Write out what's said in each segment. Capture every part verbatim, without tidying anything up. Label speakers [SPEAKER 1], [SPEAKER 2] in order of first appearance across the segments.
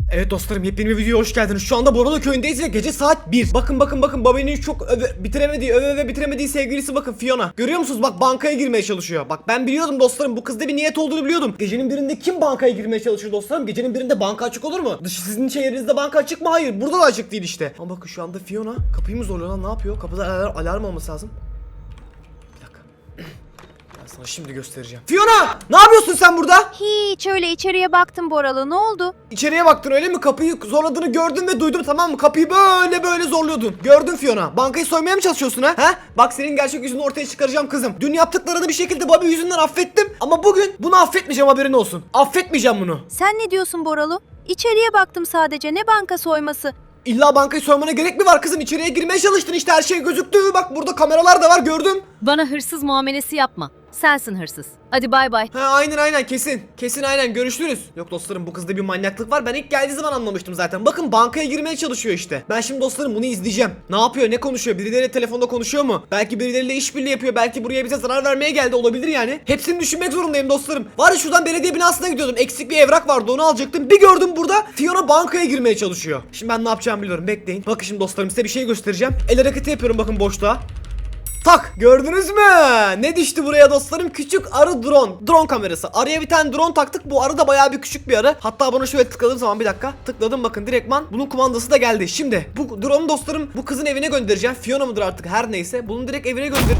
[SPEAKER 1] Evet dostlarım, yepyeni bir videoya hoş geldiniz. Şu anda Borolo köyündeyiz ve gece saat bir. Bakın bakın bakın babanın çok öve, bitiremediği öve öve bitiremediği sevgilisi bakın Fiona. Görüyor musunuz? Bak bankaya girmeye çalışıyor. Bak ben biliyordum dostlarım, bu kızda bir niyet olduğunu biliyordum. Gecenin birinde kim bankaya girmeye çalışır dostlarım? Gecenin birinde banka açık olur mu? Dışı sizin şehrinizde banka açık mı? Hayır, burada da açık değil işte. Ama bakın şu anda Fiona kapıyı mı zorluyor lan, ne yapıyor? Kapıda alarm, alarm olması lazım. Bir dakika. Ben sana şimdi göstereceğim. Fiona! Ne yapıyorsun sen burada?
[SPEAKER 2] Hiç, öyle içeriye baktım Boralı, ne oldu?
[SPEAKER 1] İçeriye baktın öyle mi? Kapıyı zorladığını gördüm ve duydum, tamam mı? Kapıyı böyle böyle zorluyordun. Gördün Fiona. Bankayı soymaya mı çalışıyorsun ha? Ha? Bak senin gerçek yüzünü ortaya çıkaracağım kızım. Dün yaptıklarını bir şekilde Bobby yüzünden affettim. Ama bugün bunu affetmeyeceğim, haberin olsun. Affetmeyeceğim bunu.
[SPEAKER 2] Sen ne diyorsun Boralı? İçeriye baktım sadece, ne banka soyması?
[SPEAKER 1] İlla bankayı soymana gerek mi var kızım? İçeriye girmeye çalıştın işte, her şey gözüktü. Bak burada kameralar da var, gördüm.
[SPEAKER 3] Bana hırsız muamelesi yapma. Sensin hırsız. Hadi bay bay.
[SPEAKER 1] Ha aynen aynen kesin. Kesin aynen, görüşürüz. Yok dostlarım, bu kızda bir manyaklık var. Ben ilk geldiği zaman anlamıştım zaten. Bakın bankaya girmeye çalışıyor işte. Ben şimdi dostlarım bunu izleyeceğim. Ne yapıyor, ne konuşuyor? Birileriyle telefonda konuşuyor mu? Belki birileriyle işbirliği yapıyor. Belki buraya bize zarar vermeye geldi, olabilir yani. Hepsini düşünmek zorundayım dostlarım. Var ya, şuradan belediye binasına gidiyordum. Eksik bir evrak vardı, onu alacaktım. Bir gördüm burada Fiona bankaya girmeye çalışıyor. Şimdi ben ne yapacağımı biliyorum, bekleyin. Bakın şimdi dostlarım, size bir şey göstereceğim. El hareketi yapıyorum bakın boşluğa. Tak, gördünüz mü? Ne düştü buraya dostlarım? Küçük arı drone. Drone kamerası. Arıya bir tane drone taktık. Bu arı da bayağı bir küçük bir arı. Hatta bunu şöyle tıkladığım zaman, bir dakika. Tıkladım bakın, direktman bunun kumandası da geldi. Şimdi bu drone'u dostlarım bu kızın evine göndereceğim. Fiona mıdır artık, her neyse. Bunu direkt evine gönder.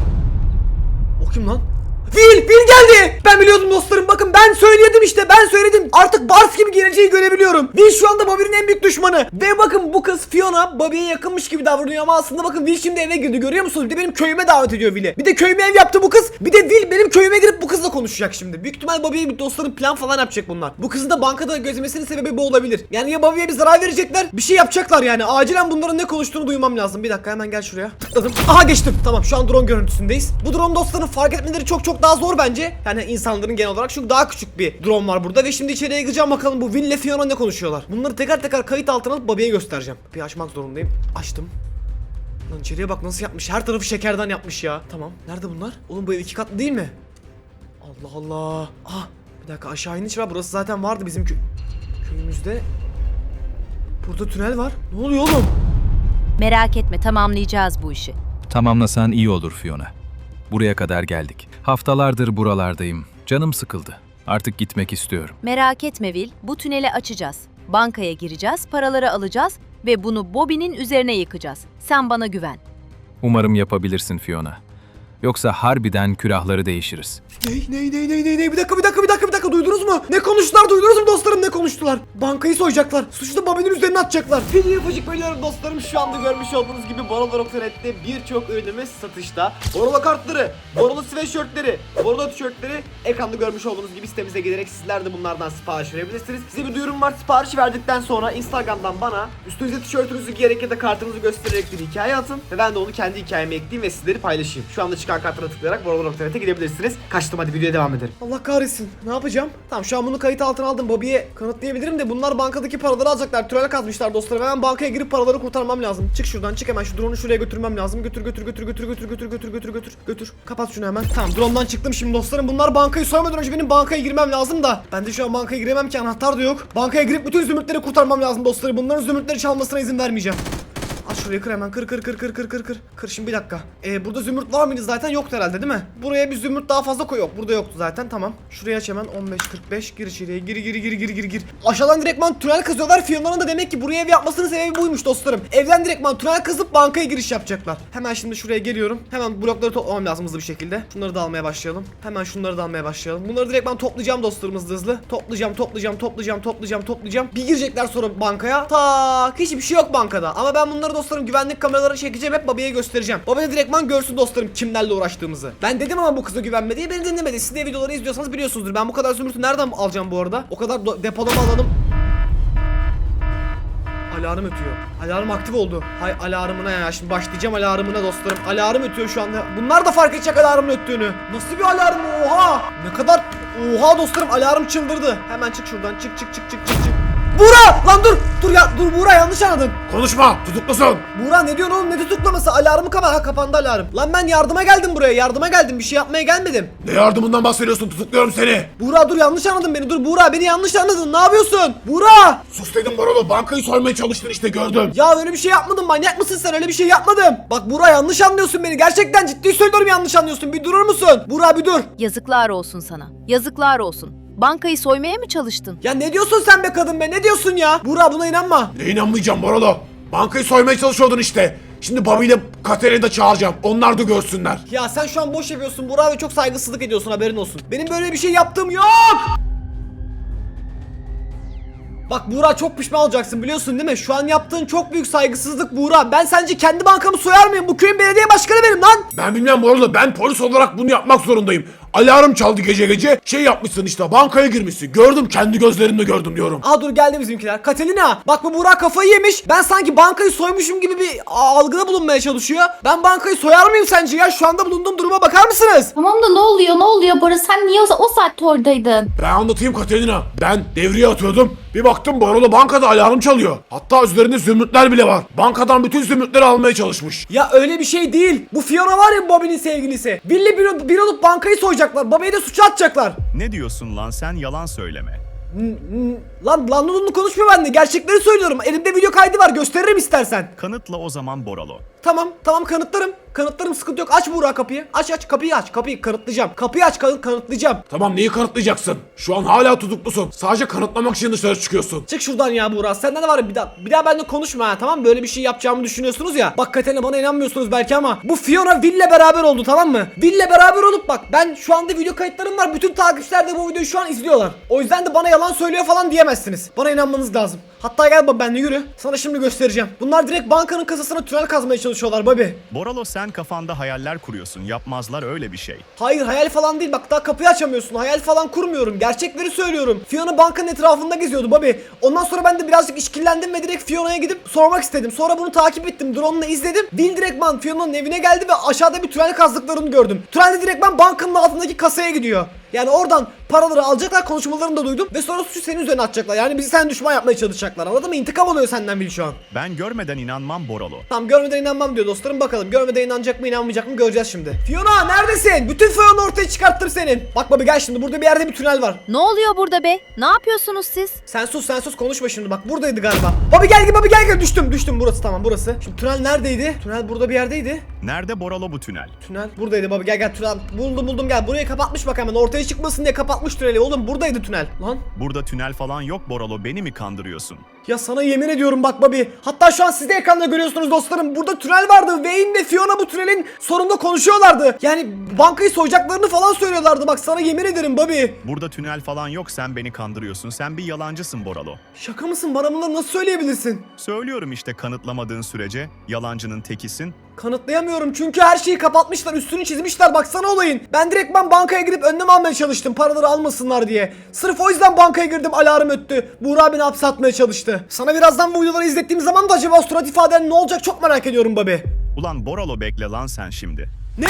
[SPEAKER 1] O kim lan? Will! Will geldi! Ben biliyordum dostlarım, bakın ben söyledim işte, ben söyledim. Artık Bars gibi geleceği görebiliyorum. Will şu anda Bobby'nin en büyük düşmanı. Ve bakın bu kız Fiona Bobby'ye yakınmış gibi davranıyor ama aslında bakın Will şimdi eve girdi, görüyor musunuz? Bir de benim köyüme davet ediyor Will'i. Bir de köyüme ev yaptı bu kız. Bir de Will benim köyüme girip bu kızla konuşacak şimdi. Büyük ihtimal Bobby'ye bir dostlarım plan falan yapacak bunlar. Bu kızı da bankada gözlemesinin sebebi bu olabilir. Yani ya Bobby'ye bir zarar verecekler, bir şey yapacaklar yani. Acilen bunların ne konuştuğunu duymam lazım. Bir dakika, hemen gel şuraya. Tıkladım. Aha geçtim. Tamam, şu an drone görüntüsündeyiz. Bu drone dostlarım fark etmeleri çok çok daha zor bence. Yani insanların genel olarak, çünkü daha küçük bir drone var burada ve şimdi içeriye gireceğim, bakalım bu Will ile Fiona ne konuşuyorlar. Bunları teker teker kayıt altına alıp Bobby'ye göstereceğim. Bir açmak zorundayım. Açtım. Lan içeriye bak nasıl yapmış. Her tarafı şekerden yapmış ya. Tamam. Nerede bunlar? Oğlum bu ev iki katlı değil mi? Allah Allah. Ah, bir dakika, aşağı iniş var. Burası zaten vardı bizim kö köyümüzde. Burada tünel var. Ne oluyor oğlum?
[SPEAKER 2] Merak etme, tamamlayacağız bu işi.
[SPEAKER 4] Tamamlasan iyi olur Fiona. Buraya kadar geldik. Haftalardır buralardayım. Canım sıkıldı. Artık gitmek istiyorum.
[SPEAKER 2] Merak etme Will, bu tüneli açacağız. Bankaya gireceğiz, paraları alacağız ve bunu Bobby'nin üzerine yıkacağız. Sen bana güven.
[SPEAKER 4] Umarım yapabilirsin Fiona. Yoksa harbiden külahları değişiriz.
[SPEAKER 1] Ney ney ney ney ney ney bir dakika bir dakika bir dakika bir dakika, duydunuz mu? Ne konuştular, duydunuz mu dostlarım, ne konuştular? Bankayı soyacaklar. Suçu da Bobby'nin üzerine atacaklar. Video yapacak bölüyorum dostlarım. Şu anda görmüş olduğunuz gibi Borolo nokta net'te birçok ürünümüz satışta. Borolo kartları, Borolo sweatshirtleri, Borolo tişörtleri ekranda görmüş olduğunuz gibi sitemize gelerek sizler de bunlardan sipariş verebilirsiniz. Size bir duyurum var. Sipariş verdikten sonra Instagram'dan bana üstünüze tişörtünüzü giyerek ya da kartınızı göstererek bir hikaye atın ve ben de onu kendi hikayeme ekleyeyim ve sizleri paylaşayım. Şu anda çıkan kartlara tıklayarak Borolo nokta net'e gidebilirsiniz. Kaçtım, hadi videoya devam edelim. Allah kahretsin. Ne yapacağım? Tamam, şu an bunu kayıt altına aldım. Bobby'ye kanıtlayabilirim de bunlar bankadaki paraları alacaklar. Tünel kazmışlar dostlarım. Hemen bankaya girip paraları kurtarmam lazım. Çık şuradan, çık hemen, şu drone'u şuraya götürmem lazım. Götür götür götür götür götür götür götür götür götür götür. Kapat şunu hemen. Tamam, drone'dan çıktım şimdi dostlarım. Bunlar bankayı soymadan önce benim bankaya girmem lazım da. Ben de şu an bankaya giremem ki, anahtar da yok. Bankaya girip bütün zümrütleri kurtarmam lazım dostlarım. Bunların zümrütleri çalmasına izin vermeyeceğim. Aç şurayı, kır hemen, kır kır kır kır kır kır kır. Kır şimdi, bir dakika. Ee, burada zümrüt var mıydı zaten? Yoktu herhalde değil mi? Buraya bir zümrüt daha fazla koy. Yok, burada yoktu zaten, tamam. Şuraya aç hemen, on beş kırk beş, gir içeriye, gir gir gir gir gir gir. Aşağıdan direktman tünel kazıyorlar. Fiona'nın da demek ki buraya ev yapmasının sebebi buymuş dostlarım. Evden direktman tünel kazıp bankaya giriş yapacaklar. Hemen şimdi şuraya geliyorum. Hemen blokları toplamam lazım hızlı bir şekilde. Şunları da almaya başlayalım. Hemen şunları da almaya başlayalım. Bunları direktman toplayacağım dostlarım, hızlı hızlı. Toplayacağım, toplayacağım, toplayacağım, toplayacağım, toplayacağım. Bir girecekler sonra bankaya. Tak, hiçbir şey yok bankada. Ama ben bunları dostlarım güvenlik kameraları çekeceğim, hep Bobby'ye göstereceğim. Bobby de direktman görsün dostlarım kimlerle uğraştığımı. Ben dedim ama bu kıza güvenme diye, beni dinlemedi. Siz de videoları izliyorsanız biliyorsunuzdur. Ben bu kadar zümrütü nereden alacağım bu arada? O kadar depolama alanım. Alarm ötüyor. Alarm aktif oldu. Hay alarmına ya. Şimdi başlayacağım alarmına dostlarım. Alarm ötüyor şu anda. Bunlar da fark edecek alarmın öttüğünü. Nasıl bir alarm? Oha! Ne kadar... Oha dostlarım, alarm çıldırdı. Hemen çık şuradan. Çık çık çık çık çık çık. Bura! Lan dur! Dur ya dur Buğra, yanlış anladın.
[SPEAKER 5] Konuşma, tutuklusun.
[SPEAKER 1] Buğra ne diyorsun oğlum, ne tutuklaması? Alarmı kapat. Ha, kapandı alarm. Lan ben yardıma geldim buraya, yardıma geldim, bir şey yapmaya gelmedim.
[SPEAKER 5] Ne yardımından bahsediyorsun? Tutukluyorum seni.
[SPEAKER 1] Buğra dur, yanlış anladın beni. Dur Buğra, beni yanlış anladın. Ne yapıyorsun? Buğra!
[SPEAKER 5] Sus dedim Borolo, bankayı soymaya çalıştın işte, gördüm.
[SPEAKER 1] Ya öyle bir şey yapmadım, manyak mısın sen? Öyle bir şey yapmadım. Bak Buğra, yanlış anlıyorsun beni. Gerçekten ciddi söylüyorum, yanlış anlıyorsun. Bir durur musun? Buğra bir dur.
[SPEAKER 3] Yazıklar olsun sana. Yazıklar olsun. Bankayı soymaya mı çalıştın?
[SPEAKER 1] Ya ne diyorsun sen be kadın be? Ne diyorsun ya? Buğra buna inanma.
[SPEAKER 5] Ne inanmayacağım Borolo? Bankayı soymaya çalışıyordun işte. Şimdi Bobby ile Katerin'i de çağıracağım. Onlar da görsünler.
[SPEAKER 1] Ya sen şu an boş yapıyorsun Buğra ve çok saygısızlık ediyorsun, haberin olsun. Benim böyle bir şey yaptığım yok. Bak Buğra, çok pişman olacaksın biliyorsun değil mi? Şu an yaptığın çok büyük saygısızlık Buğra. Ben sence kendi bankamı soyar mıyım? Bu köyün belediye başkanı benim lan.
[SPEAKER 5] Ben bilmem Borolo, ben polis olarak bunu yapmak zorundayım. Alarm çaldı gece gece. Şey yapmışsın işte, bankaya girmişsin. Gördüm, kendi gözlerimle gördüm diyorum.
[SPEAKER 1] Aa dur, geldi bizimkiler. Katerina, bak bu Buğra kafayı yemiş. Ben sanki bankayı soymuşum gibi bir algıda bulunmaya çalışıyor. Ben bankayı soyar mıyım sence ya? Şu anda bulunduğum duruma bakar mısınız?
[SPEAKER 6] Tamam da ne oluyor ne oluyor Bora, sen niye o, o saatte oradaydın?
[SPEAKER 5] Ben anlatayım Katerina. Ben devriye atıyordum. Bir baktım Borolo bankada alarm çalıyor. Hatta üzerinde zümrütler bile var. Bankadan bütün zümrütleri almaya çalışmış.
[SPEAKER 1] Ya öyle bir şey değil. Bu Fiona var ya, Bobby'nin sevgilisi. Billy bir, bir olup bankayı soyacaklar. Bobby'yi de suça atacaklar.
[SPEAKER 7] Ne diyorsun lan sen, yalan söyleme.
[SPEAKER 1] Lan lan lan konuşma benimle. Gerçekleri söylüyorum. Elimde video kaydı var. Gösteririm istersen.
[SPEAKER 7] Kanıtla o zaman Boralo.
[SPEAKER 1] Tamam tamam, kanıtlarım. Kanıtlarım, sıkıntı yok. Aç Buğra kapıyı. Aç aç kapıyı aç. Kapıyı kanıtlayacağım. Kapıyı aç, kanıt kanıtlayacağım.
[SPEAKER 5] Tamam, neyi kanıtlayacaksın? Şu an hala tutuklusun. Sadece kanıtlamak için dışarı çıkıyorsun.
[SPEAKER 1] Çık şuradan ya Buğra. Senden de var ya, bir daha bir daha benimle konuşma ha, tamam mı? Böyle bir şey yapacağımı düşünüyorsunuz ya. Bak Katerina, bana inanmıyorsunuz belki ama bu Fiona Will'le beraber oldu, tamam mı? Will'le beraber olup bak, ben şu anda video kayıtlarım var. Bütün takipçiler de bu videoyu şu an izliyorlar. O yüzden de bana yalan söylüyor falan diyemezsiniz. Bana inanmanız lazım. Hatta gel baba, benimle yürü. Sana şimdi göstereceğim. Bunlar direkt bankanın kasasına tünel kazmaya çalışıyorlar Bobby.
[SPEAKER 7] Boralo, sen kafanda hayaller kuruyorsun. Yapmazlar öyle bir şey.
[SPEAKER 1] Hayır, hayal falan değil, bak daha kapıyı açamıyorsun. Hayal falan kurmuyorum, gerçekleri söylüyorum. Fiona bankanın etrafında geziyordu Bobby. Ondan sonra ben de birazcık işkillendim ve direkt Fiona'ya gidip sormak istedim. Sonra bunu takip ettim, drone'la izledim. Will direktman Fiona'nın evine geldi ve aşağıda bir tünel kazdıklarını gördüm. Tünelde direktman bankanın altındaki kasaya gidiyor. Yani oradan paraları alacaklar, konuşmalarını da duydum ve sonra suçu senin üzerine atacaklar. Yani bizi sen düşman yapmaya çalışacaklar, anladın mı? İntikam oluyor senden Will şu an.
[SPEAKER 7] Ben görmeden inanmam Boralo.
[SPEAKER 1] Tamam, görmeden inanmam diyor dostlarım, bakalım görmeden inanacak mı inanmayacak mı göreceğiz şimdi. Fiona neredesin? Bütün Fiona ortaya çıkarttım senin. Bak baba, gel şimdi, burada bir yerde bir tünel var.
[SPEAKER 3] Ne oluyor burada be? Ne yapıyorsunuz siz?
[SPEAKER 1] Sen sus sen sus, konuşma şimdi, bak buradaydı galiba. Baba gel gel baba gel gel, düştüm düştüm, burası tamam burası. Şimdi tünel neredeydi? Tünel burada bir yerdeydi.
[SPEAKER 7] Nerede Boralo bu tünel?
[SPEAKER 1] Tünel buradaydı baba, gel gel tünel buldum buldum, gel burayı kapatmış bak, hemen ortaya çıkmasın diye kapatmış tüneli oğlum, buradaydı tünel. Lan
[SPEAKER 7] Burada tünel falan yok Boralo, beni mi kandırıyorsun?
[SPEAKER 1] ya sana yemin ediyorum bak Bobby. Hatta şu an siz de ekranda görüyorsunuz dostlarım. Burada tünel vardı. Wayne ve Fiona bu tünelin sonunda konuşuyorlardı. Yani bankayı soyacaklarını falan söylüyorlardı. Bak sana yemin ederim Bobby.
[SPEAKER 7] Burada tünel falan yok, sen beni kandırıyorsun. Sen bir yalancısın Boralo.
[SPEAKER 1] Şaka mısın? Bana bunları nasıl söyleyebilirsin?
[SPEAKER 7] Söylüyorum işte, kanıtlamadığın sürece yalancının tekisin.
[SPEAKER 1] Kanıtlayamıyorum çünkü her şeyi kapatmışlar, üstünü çizmişler, baksana olayın. Ben direkt ben bankaya girip önlem almaya çalıştım, paraları almasınlar diye. Sırf o yüzden bankaya girdim, alarm öttü. Buğra beni hapse atmaya çalıştı. Sana birazdan bu videoları izlettiğim zaman da acaba o surat ifaden ne olacak çok merak ediyorum Bobby.
[SPEAKER 7] Ulan Boralo, bekle lan sen şimdi.
[SPEAKER 1] Ne?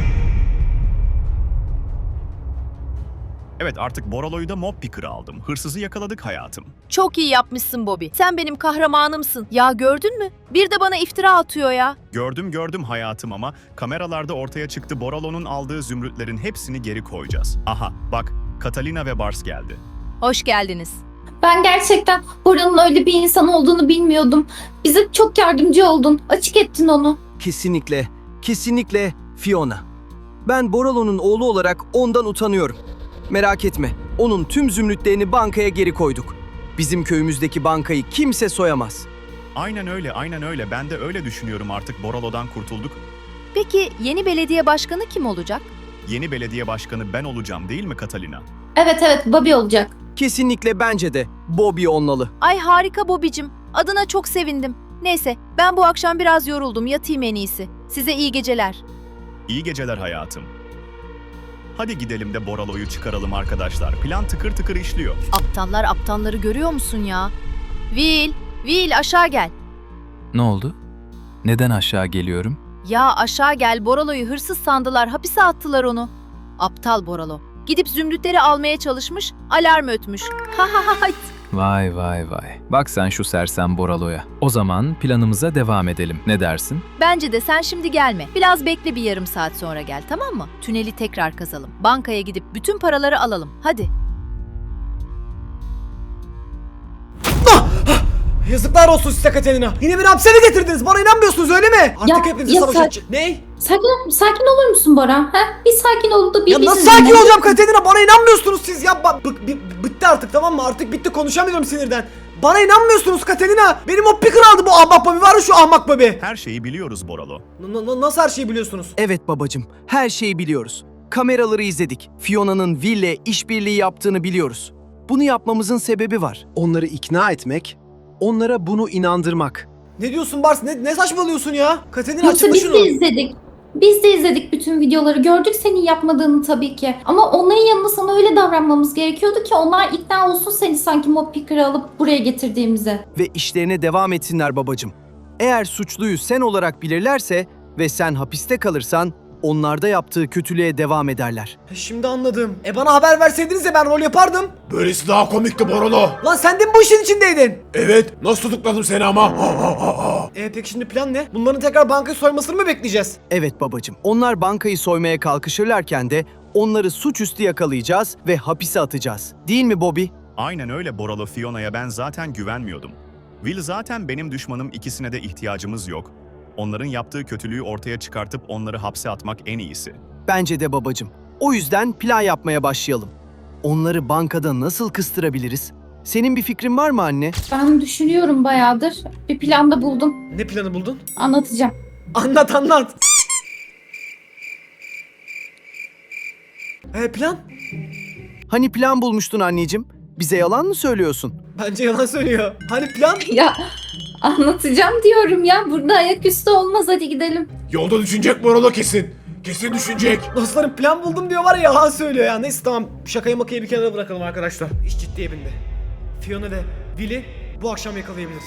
[SPEAKER 7] Evet, artık Boralo'yu da mob picker'ı aldım. Hırsızı yakaladık hayatım.
[SPEAKER 3] Çok iyi yapmışsın Bobby. Sen benim kahramanımsın. Ya gördün mü? Bir de bana iftira atıyor ya.
[SPEAKER 7] Gördüm gördüm hayatım ama kameralarda ortaya çıktı, Boralo'nun aldığı zümrütlerin hepsini geri koyacağız. Aha bak, Catalina ve Bars geldi.
[SPEAKER 3] Hoş geldiniz.
[SPEAKER 6] Ben gerçekten Bora'nın öyle bir insan olduğunu bilmiyordum. Bize çok yardımcı oldun, açık ettin onu.
[SPEAKER 8] Kesinlikle, kesinlikle Fiona. Ben Boralo'nun oğlu olarak ondan utanıyorum. Merak etme, onun tüm zümrütlerini bankaya geri koyduk. Bizim köyümüzdeki bankayı kimse soyamaz.
[SPEAKER 7] Aynen öyle, aynen öyle. Ben de öyle düşünüyorum, artık Boralo'dan kurtulduk.
[SPEAKER 3] Peki yeni belediye başkanı kim olacak?
[SPEAKER 7] Yeni belediye başkanı ben olacağım değil mi Catalina?
[SPEAKER 6] Evet evet, Bobby olacak.
[SPEAKER 8] Kesinlikle bence de Bobby olmalı.
[SPEAKER 3] Ay harika Bobby'cim. Adına çok sevindim. Neyse, ben bu akşam biraz yoruldum. Yatayım en iyisi. Size iyi geceler.
[SPEAKER 7] İyi geceler hayatım. Hadi gidelim de Boralo'yu çıkaralım arkadaşlar. Plan tıkır tıkır işliyor.
[SPEAKER 3] Aptallar aptalları görüyor musun ya? Will, Will aşağı gel.
[SPEAKER 4] Ne oldu? Neden aşağı geliyorum?
[SPEAKER 3] Ya aşağı gel, Boralo'yu hırsız sandılar, hapise attılar onu. Aptal Boralo. Gidip zümrütleri almaya çalışmış, alarm ötmüş. Ha ha ha.
[SPEAKER 4] Vay vay vay. Bak sen şu sersem Boralo'ya. O zaman planımıza devam edelim. Ne dersin?
[SPEAKER 2] Bence de sen şimdi gelme. Biraz bekle, bir yarım saat sonra gel, tamam mı? Tüneli tekrar kazalım. Bankaya gidip bütün paraları alalım. Hadi.
[SPEAKER 1] Yazıklar olsun size Katerina. Yine beni hapse mi getirdiniz? Bana inanmıyorsunuz öyle mi? Artık
[SPEAKER 6] Ya-
[SPEAKER 1] hepinizi
[SPEAKER 6] ya
[SPEAKER 1] savaşa...
[SPEAKER 6] sakin-
[SPEAKER 1] Ne?
[SPEAKER 6] Sakin, sakin olur musun Bora? Ha? Bir sakin ol da bir
[SPEAKER 1] Ya nasıl
[SPEAKER 6] bizi
[SPEAKER 1] sakin
[SPEAKER 6] dinle.
[SPEAKER 1] olacağım Katerina? Bana inanmıyorsunuz siz ya. Ba- bık- bi- bitti artık, tamam mı? Artık bitti, konuşamıyorum sinirden. Bana inanmıyorsunuz Katerina. Benim o picker aldı bu ahmak babi. Var ya şu ahmak babi.
[SPEAKER 7] Her şeyi biliyoruz Boralo.
[SPEAKER 1] N- n- nasıl her şeyi biliyorsunuz?
[SPEAKER 8] Evet babacım, her şeyi biliyoruz. Kameraları izledik. Fiona'nın Will'le işbirliği yaptığını biliyoruz. Bunu yapmamızın sebebi var. Onları ikna etmek, onlara bunu inandırmak.
[SPEAKER 1] Ne diyorsun Bars? Ne, ne saçmalıyorsun ya? Katerina
[SPEAKER 6] Yoksa
[SPEAKER 1] açıkla
[SPEAKER 6] biz
[SPEAKER 1] şunu.
[SPEAKER 6] de izledik. Biz de izledik bütün videoları. Gördük senin yapmadığını tabii ki. Ama onların yanında sana öyle davranmamız gerekiyordu ki onlar ikna olsun seni sanki mob picker'ı alıp buraya getirdiğimize.
[SPEAKER 8] Ve işlerine devam etsinler babacım. Eğer suçluyu sen olarak bilirlerse ve sen hapiste kalırsan, onlarda yaptığı kötülüğe devam ederler.
[SPEAKER 1] E, Şimdi anladım. E bana haber verseydiniz ya, ben rol yapardım.
[SPEAKER 5] Böylesi daha komikti Borolo.
[SPEAKER 1] Lan sen de mi bu işin içindeydin?
[SPEAKER 5] Evet, nasıl tutukladım seni ama?
[SPEAKER 1] E peki şimdi plan ne? Bunların tekrar bankayı soymasını mı bekleyeceğiz?
[SPEAKER 8] Evet babacım, onlar bankayı soymaya kalkışırlarken de onları suçüstü yakalayacağız ve hapise atacağız. Değil mi Bobby?
[SPEAKER 7] Aynen öyle Boralo. Fiona'ya ben zaten güvenmiyordum. Will zaten benim düşmanım, ikisine de ihtiyacımız yok. Onların yaptığı kötülüğü ortaya çıkartıp onları hapse atmak en iyisi.
[SPEAKER 8] Bence de babacım. O yüzden plan yapmaya başlayalım. Onları bankada nasıl kıstırabiliriz? Senin bir fikrin var mı anne?
[SPEAKER 6] Ben düşünüyorum bayağıdır. Bir plan da buldum.
[SPEAKER 1] Ne planı buldun?
[SPEAKER 6] Anlatacağım.
[SPEAKER 1] Anlat anlat. E plan?
[SPEAKER 8] Hani plan bulmuştun anneciğim? Bize yalan mı söylüyorsun?
[SPEAKER 1] Bence yalan söylüyor. Hani plan?
[SPEAKER 6] Ya anlatacağım diyorum ya. Burada ayaküstü olmaz, hadi gidelim.
[SPEAKER 5] Yolda düşünecek Borolo kesin. Kesin düşünecek.
[SPEAKER 1] Dostlarım plan buldum diyor var ya, yalan söylüyor ya. Neyse tamam, şakayı makayı bir kenara bırakalım arkadaşlar. İş ciddiye bindi. Fiona ve Will'i bu akşam yakalayabiliriz.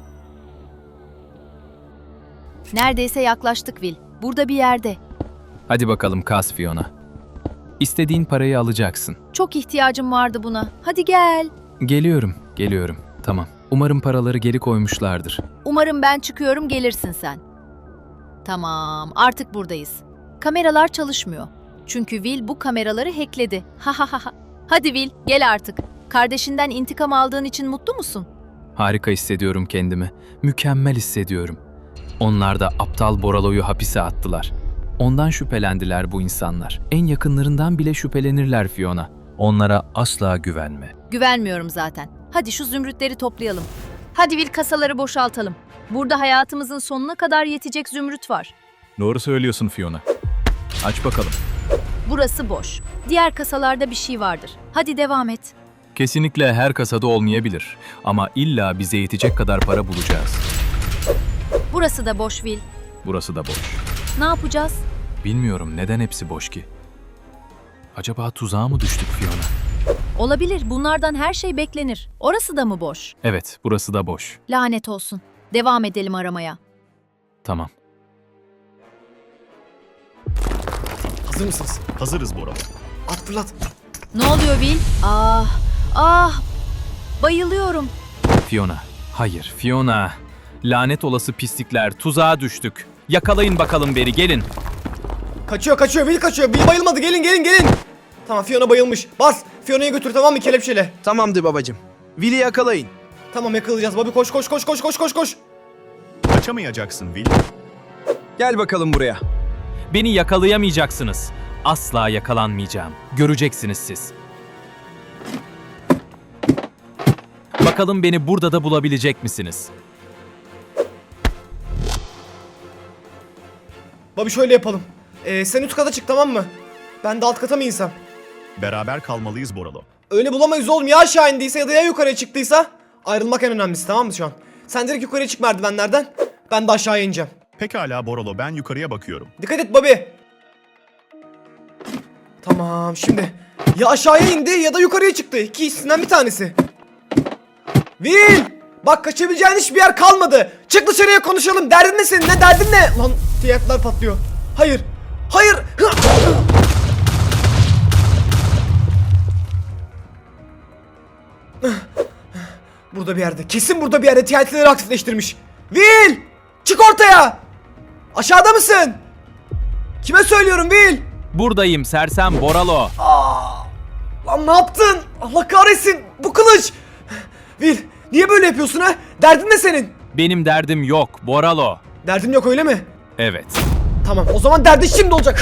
[SPEAKER 2] Neredeyse yaklaştık Will. Burada bir yerde.
[SPEAKER 4] Hadi bakalım kas Fiona. İstediğin parayı alacaksın.
[SPEAKER 2] Çok ihtiyacım vardı buna. Hadi gel.
[SPEAKER 4] Geliyorum, geliyorum. Tamam. Umarım paraları geri koymuşlardır.
[SPEAKER 2] Umarım ben çıkıyorum, gelirsin sen. Tamam, artık buradayız. Kameralar çalışmıyor. Çünkü Will bu kameraları hackledi. Ha ha ha ha. Hadi Will, gel artık. Kardeşinden intikam aldığın için mutlu musun?
[SPEAKER 4] Harika hissediyorum kendimi. Mükemmel hissediyorum. Onlar da aptal Boralo'yu hapise attılar. Ondan şüphelendiler bu insanlar. En yakınlarından bile şüphelenirler Fiona. Onlara asla güvenme.
[SPEAKER 2] Güvenmiyorum zaten. Hadi şu zümrütleri toplayalım. Hadi Will, kasaları boşaltalım. Burada hayatımızın sonuna kadar yetecek zümrüt var.
[SPEAKER 4] Doğru söylüyorsun Fiona. Aç bakalım.
[SPEAKER 2] Burası boş. Diğer kasalarda bir şey vardır. Hadi devam et.
[SPEAKER 4] Kesinlikle her kasada olmayabilir. Ama illa bize yetecek kadar para bulacağız.
[SPEAKER 2] Burası da boş Will.
[SPEAKER 4] Burası da boş.
[SPEAKER 2] Ne yapacağız?
[SPEAKER 4] Bilmiyorum neden hepsi boş ki. Acaba tuzağa mı düştük Fiona?
[SPEAKER 2] Olabilir. Bunlardan her şey beklenir. Orası da mı boş?
[SPEAKER 4] Evet, burası da boş.
[SPEAKER 2] Lanet olsun. Devam edelim aramaya.
[SPEAKER 4] Tamam.
[SPEAKER 1] Hazır mısınız?
[SPEAKER 7] Hazırız Boralo.
[SPEAKER 1] At fırlat.
[SPEAKER 2] Ne oluyor Will? Ah, ah. Bayılıyorum.
[SPEAKER 4] Fiona. Hayır, Fiona. Lanet olası pislikler, tuzağa düştük. Yakalayın bakalım beri, gelin.
[SPEAKER 1] Kaçıyor kaçıyor, Will kaçıyor. Will bayılmadı, gelin gelin gelin. Tamam, Fiona bayılmış. Bas, Fiona'yı götür, tamam mı, kelepçeyle.
[SPEAKER 8] Tamamdır babacım. Will'i yakalayın.
[SPEAKER 1] Tamam, yakalayacağız. Bobby koş koş koş koş koş koş koş.
[SPEAKER 7] Kaçamayacaksın Will.
[SPEAKER 8] Gel bakalım buraya.
[SPEAKER 4] Beni yakalayamayacaksınız. Asla yakalanmayacağım. Göreceksiniz siz. Bakalım beni burada da bulabilecek misiniz?
[SPEAKER 1] Bobby şöyle yapalım. Ee, sen üst kata çık, tamam mı? Ben de alt kata mı insem?
[SPEAKER 7] Beraber kalmalıyız Boralo.
[SPEAKER 1] Öyle bulamayız oğlum, ya aşağı indiyse ya da ya yukarıya çıktıysa. Ayrılmak en önemlisi, tamam mı şu an? Sen direkt yukarıya çık merdivenlerden. Ben de aşağıya ineceğim.
[SPEAKER 7] Pekala Boralo, ben yukarıya bakıyorum.
[SPEAKER 1] Dikkat et Bobby. Tamam, şimdi ya aşağıya indi ya da yukarıya çıktı. İkisinden bir tanesi. Will! Bak, kaçabileceğin hiçbir yer kalmadı. Çık dışarıya, konuşalım. Derdin ne senin? Ne derdin ne? Lan tiyatlar patlıyor. Hayır. Hayır. Burada bir yerde. Kesin burada bir yerde T N T'leri aktifleştirmiş. Will! Çık ortaya! Aşağıda mısın? Kime söylüyorum Will?
[SPEAKER 4] Buradayım sersem Boralo.
[SPEAKER 1] Aa, lan ne yaptın? Allah kahretsin. Bu kılıç. Will, niye böyle yapıyorsun ha? Derdin ne senin?
[SPEAKER 4] Benim derdim yok Boralo.
[SPEAKER 1] Derdin yok öyle mi?
[SPEAKER 4] Evet.
[SPEAKER 1] Tamam, o zaman derdin şimdi olacak.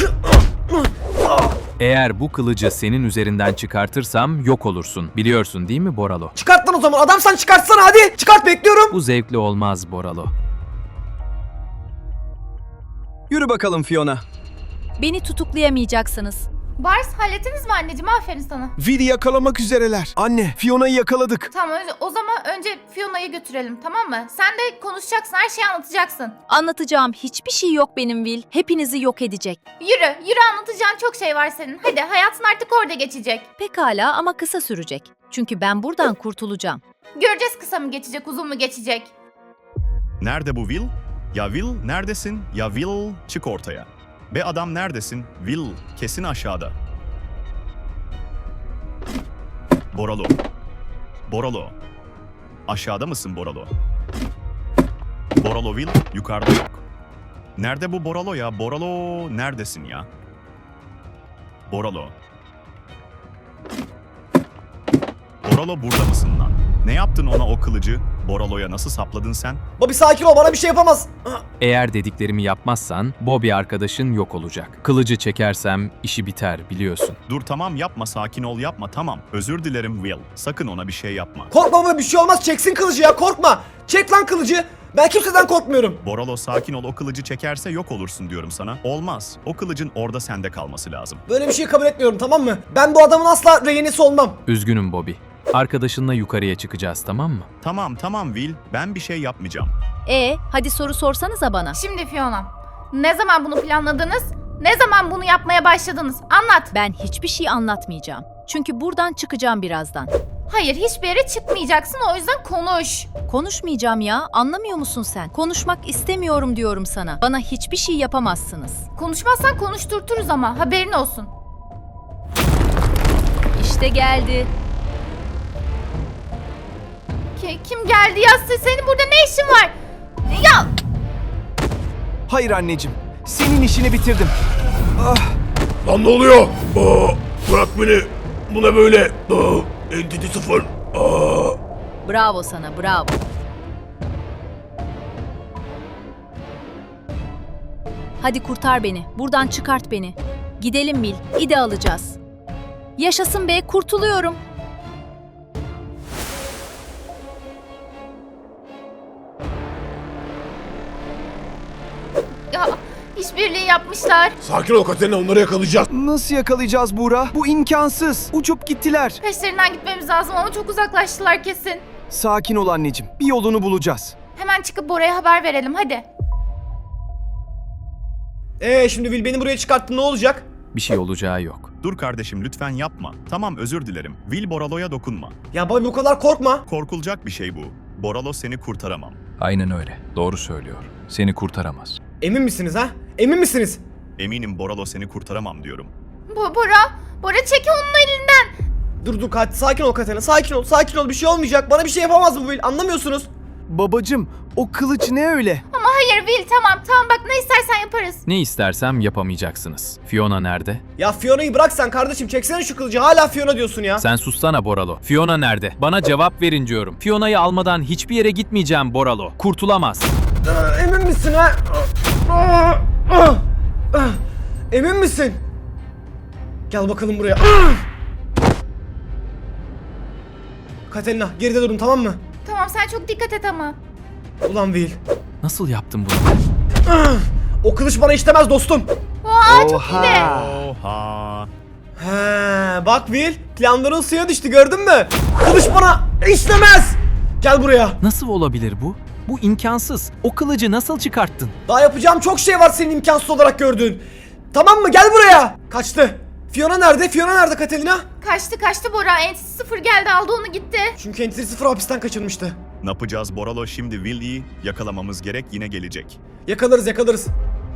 [SPEAKER 4] Eğer bu kılıcı senin üzerinden çıkartırsam yok olursun. Biliyorsun değil mi Boralo?
[SPEAKER 1] Çıkart lan o zaman. Adamsan çıkartsana hadi. Çıkart, bekliyorum.
[SPEAKER 4] Bu zevkli olmaz Boralo.
[SPEAKER 8] Yürü bakalım Fiona.
[SPEAKER 2] Beni tutuklayamayacaksınız.
[SPEAKER 9] Bars hallettiniz mi anneciğim? Aferin sana.
[SPEAKER 10] Vili yakalamak üzereler. Anne, Fiona'yı yakaladık.
[SPEAKER 9] Tamam önce, o zaman önce Fiona'yı götürelim, tamam mı? Sen de konuşacaksın, her şeyi anlatacaksın.
[SPEAKER 2] Anlatacağım hiçbir şey yok benim Will. Hepinizi yok edecek.
[SPEAKER 9] Yürü, yürü, anlatacağın çok şey var senin. Hadi, hayatın artık orada geçecek.
[SPEAKER 2] Pekala ama kısa sürecek. Çünkü ben buradan kurtulacağım.
[SPEAKER 9] Göreceğiz kısa mı geçecek, uzun mu geçecek.
[SPEAKER 7] Nerede bu Will? Ya Will neredesin? Ya Will çık ortaya. Be adam neredesin? Will kesin aşağıda. Boralo. Boralo. Aşağıda mısın Boralo? Boralo Will yukarıda yok. Nerede bu Boralo ya? Boralo neredesin ya? Boralo. Boralo burada mısın lan? Ne yaptın ona o kılıcı? Boralo'ya nasıl sapladın sen?
[SPEAKER 1] Bobby sakin ol, bana bir şey yapamaz.
[SPEAKER 4] Eğer dediklerimi yapmazsan Bobby arkadaşın yok olacak. Kılıcı çekersem işi biter biliyorsun.
[SPEAKER 7] Dur tamam yapma, sakin ol, yapma, tamam. Özür dilerim Will. Sakın ona bir şey yapma.
[SPEAKER 1] Korkma baba, bir şey olmaz. Çeksin kılıcı ya, korkma. Çek lan kılıcı. Ben kimseden korkmuyorum.
[SPEAKER 7] Boralo sakin ol, o kılıcı çekerse yok olursun diyorum sana. Olmaz. O kılıcın orada sende kalması lazım.
[SPEAKER 1] Böyle bir şey kabul etmiyorum, tamam mı? Ben bu adamın asla rehinesi olmam.
[SPEAKER 4] Üzgünüm Bobby. Arkadaşınla yukarıya çıkacağız tamam mı?
[SPEAKER 7] Tamam tamam Will, ben bir şey yapmayacağım.
[SPEAKER 2] E, hadi soru sorsanıza bana.
[SPEAKER 9] Şimdi Fiona, ne zaman bunu planladınız? Ne zaman bunu yapmaya başladınız? Anlat.
[SPEAKER 2] Ben hiçbir şey anlatmayacağım. Çünkü buradan çıkacağım birazdan.
[SPEAKER 9] Hayır, hiçbir yere çıkmayacaksın, o yüzden konuş.
[SPEAKER 2] Konuşmayacağım ya, anlamıyor musun sen? Konuşmak istemiyorum diyorum sana. Bana hiçbir şey yapamazsınız.
[SPEAKER 9] Konuşmazsan konuşturturuz ama, haberin olsun.
[SPEAKER 2] İşte geldi.
[SPEAKER 9] Ki, kim geldi ya? Senin burada ne işin var? Ya!
[SPEAKER 8] Hayır anneciğim. Senin işini bitirdim.
[SPEAKER 5] Lan ne oluyor? Aa, bırak beni. Bu ne böyle? Aa, Entity sıfır. Aa.
[SPEAKER 2] Bravo sana, bravo. Hadi kurtar beni. Buradan çıkart beni. Gidelim Will. İde alacağız. Yaşasın be, kurtuluyorum.
[SPEAKER 9] Ya, işbirliği yapmışlar.
[SPEAKER 5] Sakin ol Katerina, onları yakalayacağız.
[SPEAKER 8] Nasıl yakalayacağız Buğra? Bu imkansız. Uçup gittiler.
[SPEAKER 9] Peşlerinden gitmemiz lazım ama çok uzaklaştılar kesin.
[SPEAKER 8] Sakin ol anneciğim. Bir yolunu bulacağız.
[SPEAKER 9] Hemen çıkıp Bora'ya haber verelim, hadi.
[SPEAKER 1] Ee şimdi Will beni buraya çıkarttı, ne olacak?
[SPEAKER 4] Bir şey olacağı yok.
[SPEAKER 7] Dur kardeşim lütfen yapma. Tamam özür dilerim. Will Boralo'ya dokunma.
[SPEAKER 1] Ya Bobby bu kadar korkma.
[SPEAKER 7] Korkulacak bir şey bu. Boralo seni kurtaramam.
[SPEAKER 11] Aynen öyle. Doğru söylüyor. Seni kurtaramaz.
[SPEAKER 1] Emin misiniz ha? Emin misiniz?
[SPEAKER 7] Eminim Boralo seni kurtaramam diyorum.
[SPEAKER 9] Bo Bora, Bora çek onun elinden.
[SPEAKER 1] Dur dur Kat, sakin ol Katerina, sakin ol, sakin ol, bir şey olmayacak. Bana bir şey yapamaz bu Will, anlamıyorsunuz.
[SPEAKER 8] Babacım, o kılıç ne öyle?
[SPEAKER 9] Ama hayır Will, tamam tamam bak ne istersen yaparız.
[SPEAKER 4] Ne istersem yapamayacaksınız. Fiona nerede?
[SPEAKER 1] Ya Fiona'yı bırak sen kardeşim, çeksene şu kılıcı, hala Fiona diyorsun ya.
[SPEAKER 4] Sen sussana Boralo. Fiona nerede? Bana cevap verin diyorum. Fiona'yı almadan hiçbir yere gitmeyeceğim Boralo. Kurtulamaz.
[SPEAKER 1] Aa, emin misin ha? Aa, aa, aa. Emin misin? Gel bakalım buraya. Aa! Katerina geride durun, tamam mı?
[SPEAKER 9] Tamam sen çok dikkat et ama.
[SPEAKER 1] Ulan Will.
[SPEAKER 4] Nasıl yaptım bunu?
[SPEAKER 1] Aa! O kılıç bana işlemez dostum.
[SPEAKER 9] Aa çok iyi de.
[SPEAKER 7] Oha.
[SPEAKER 1] He, bak Will, planların suya düştü, gördün mü? Kılıç bana işlemez. Gel buraya.
[SPEAKER 4] Nasıl olabilir bu? Bu imkansız. O kılıcı nasıl çıkarttın?
[SPEAKER 1] Daha yapacağım çok şey var senin imkansız olarak gördüğün. Tamam mı? Gel buraya. Kaçtı. Fiona nerede? Fiona nerede Katerina?
[SPEAKER 9] Kaçtı kaçtı Bora, Entity sıfır geldi aldı onu gitti.
[SPEAKER 1] Çünkü Entity sıfır hapisten kaçırmıştı.
[SPEAKER 7] Ne yapacağız Boralo şimdi? Will'i yakalamamız gerek, yine gelecek.
[SPEAKER 1] Yakalarız yakalarız.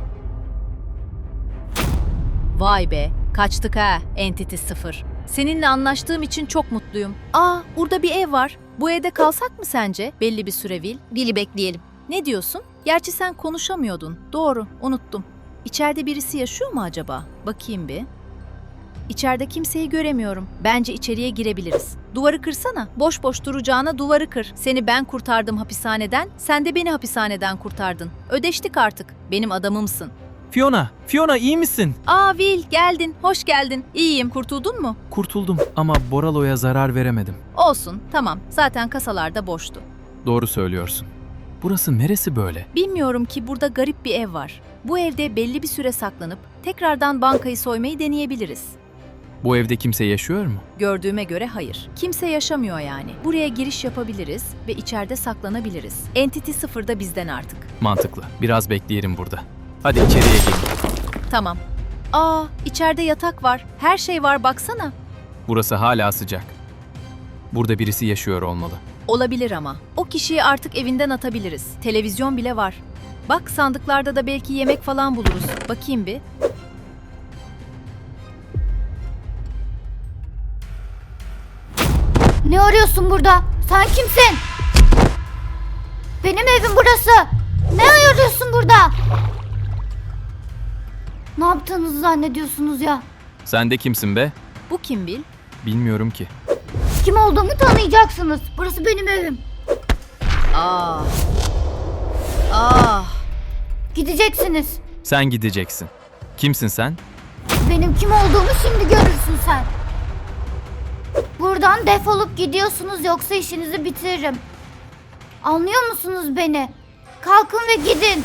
[SPEAKER 2] Vay be, kaçtık ha, Entity sıfır. Seninle anlaştığım için çok mutluyum. Aa, burada bir ev var. Bu evde kalsak mı sence belli bir süre Will?
[SPEAKER 3] Bili bekleyelim.
[SPEAKER 2] Ne diyorsun? Gerçi sen konuşamıyordun. Doğru, unuttum. İçeride birisi yaşıyor mu acaba? Bakayım bir. İçeride kimseyi göremiyorum. Bence içeriye girebiliriz. Duvarı kırsana. Boş boş duracağına duvarı kır. Seni ben kurtardım hapishaneden, sen de beni hapishaneden kurtardın. Ödeştik artık. Benim adamımsın.
[SPEAKER 4] Fiona, Fiona iyi misin?
[SPEAKER 2] Aa Will, geldin. Hoş geldin. İyiyim. Kurtuldun mu?
[SPEAKER 4] Kurtuldum ama Boralo'ya zarar veremedim.
[SPEAKER 2] Olsun, tamam. Zaten kasalarda boştu.
[SPEAKER 4] Doğru söylüyorsun. Burası neresi böyle?
[SPEAKER 2] Bilmiyorum ki burada garip bir ev var. Bu evde belli bir süre saklanıp tekrardan bankayı soymayı deneyebiliriz.
[SPEAKER 4] Bu evde kimse yaşıyor mu?
[SPEAKER 2] Gördüğüme göre hayır. Kimse yaşamıyor yani. Buraya giriş yapabiliriz ve içeride saklanabiliriz. Entity sıfır da bizden artık.
[SPEAKER 4] Mantıklı. Biraz bekleyelim burada. Hadi içeriye gelin.
[SPEAKER 2] Tamam. Aa, içeride yatak var. Her şey var baksana.
[SPEAKER 4] Burası hala sıcak. Burada birisi yaşıyor olmalı.
[SPEAKER 2] Olabilir ama. O kişiyi artık evinden atabiliriz. Televizyon bile var. Bak sandıklarda da belki yemek falan buluruz. Bakayım bir.
[SPEAKER 9] Ne arıyorsun burada? Sen kimsin? Benim evim burası. Ne arıyorsun burada? Ne yaptığınızı zannediyorsunuz ya?
[SPEAKER 4] Sen de kimsin be?
[SPEAKER 2] Bu kim Bil?
[SPEAKER 4] Bilmiyorum ki.
[SPEAKER 9] Kim olduğumu tanıyacaksınız. Burası benim evim.
[SPEAKER 2] Ah. Ah.
[SPEAKER 9] Gideceksiniz.
[SPEAKER 4] Sen gideceksin. Kimsin sen?
[SPEAKER 9] Benim kim olduğumu şimdi görürsün sen. Buradan defolup gidiyorsunuz yoksa işinizi bitiririm. Anlıyor musunuz beni? Kalkın ve gidin.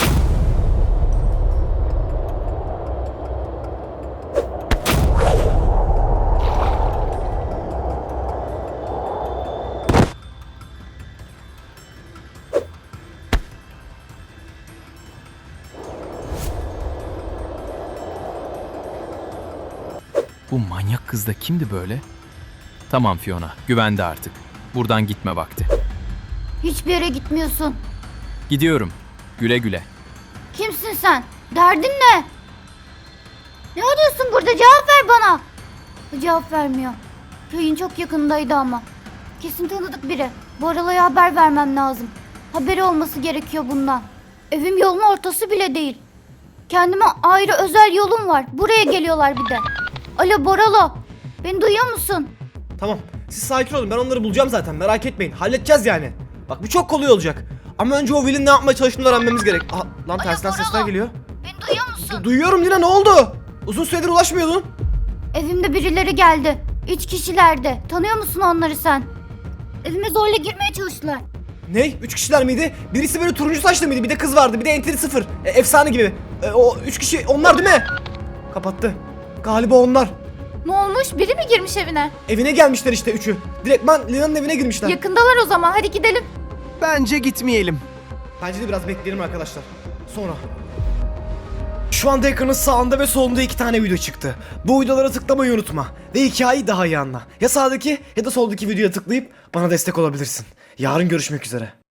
[SPEAKER 4] Bu manyak kız da kimdi böyle? Tamam Fiona, güvende artık. Buradan gitme vakti.
[SPEAKER 9] Hiçbir yere gitmiyorsun.
[SPEAKER 4] Gidiyorum. Güle güle.
[SPEAKER 9] Kimsin sen? Derdin ne? Ne arıyorsun burada? Cevap ver bana. Cevap vermiyor. Köyün çok yakındaydı ama. Kesin tanıdık biri. Boralo'ya haber vermem lazım. Haberi olması gerekiyor bundan. Evim yolun ortası bile değil. Kendime ayrı özel yolum var. Buraya geliyorlar bir de. Alo Boralo. Beni duyuyor musun?
[SPEAKER 1] Tamam. Siz sakin olun. Ben onları bulacağım zaten. Merak etmeyin. Halledeceğiz yani. Bak bu çok kolay olacak. Ama önce o Will'in ne yapmaya çalıştığını öğrenmemiz gerek. Aha, lan tersten
[SPEAKER 9] Boralo.
[SPEAKER 1] sesler geliyor.
[SPEAKER 9] Beni duyuyor musun?
[SPEAKER 1] Du- duyuyorum Lina, ne oldu? Uzun süredir ulaşmıyordun.
[SPEAKER 9] Evimde birileri geldi. Üç kişilerdi. Tanıyor musun onları sen? Evime zorla girmeye çalıştılar.
[SPEAKER 1] Ne? Üç kişiler miydi? Birisi böyle turuncu saçlı mıydı? Bir de kız vardı. Bir de enteri sıfır. E, efsane gibi. E, o üç kişi onlar değil mi? Kapattı. Galiba onlar.
[SPEAKER 9] Ne olmuş? Biri mi girmiş evine?
[SPEAKER 1] Evine gelmişler işte üçü. Direktman Lina'nın evine girmişler.
[SPEAKER 9] Yakındalar o zaman. Hadi gidelim.
[SPEAKER 8] Bence gitmeyelim.
[SPEAKER 1] Bence de biraz bekleyelim arkadaşlar. Sonra. Şu anda ekranın sağında ve solunda iki tane video çıktı. Bu videolara tıklamayı unutma. Ve hikayeyi daha iyi anla. Ya sağdaki ya da soldaki videoya tıklayıp bana destek olabilirsin. Yarın görüşmek üzere.